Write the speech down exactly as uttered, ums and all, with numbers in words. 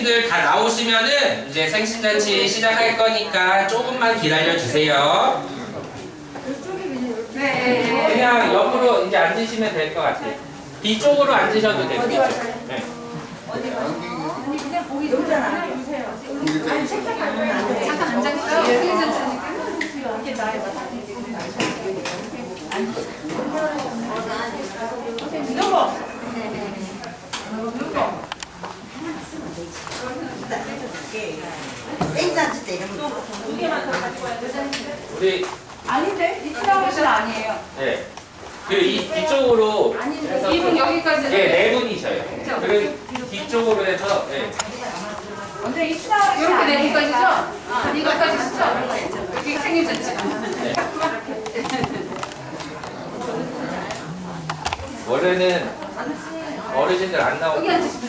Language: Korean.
어르신들 다 나오시면은 이제 생신잔치 시작할 거니까 조금만 기다려 주세요. 네. 그냥 옆으로 이제 앉으시면 될 것 같아요. 뒤쪽으로 앉으셔도 됩니다. 네. 아니 그냥 거기 놀잖아. 아니 책상 가면 안 돼. 잠깐 앉아있어요. 이렇게 나해봐. 누구? 누구? 생잔치 때 이런 거. 두 개만 더 가지고 와야 돼. 우리 아닌데? 이 치라우스는 아니에요. 네. 그 이 뒤쪽으로 해서 이분 여기까지. 네, 네 분이셔요. 그리고 뒤쪽으로 해서 네. 먼저 이 치라우스 이렇게 네 분까지죠? 아, 이거까지죠? 여기 생일잔치. 네. 원래는 어르신들 안 나오고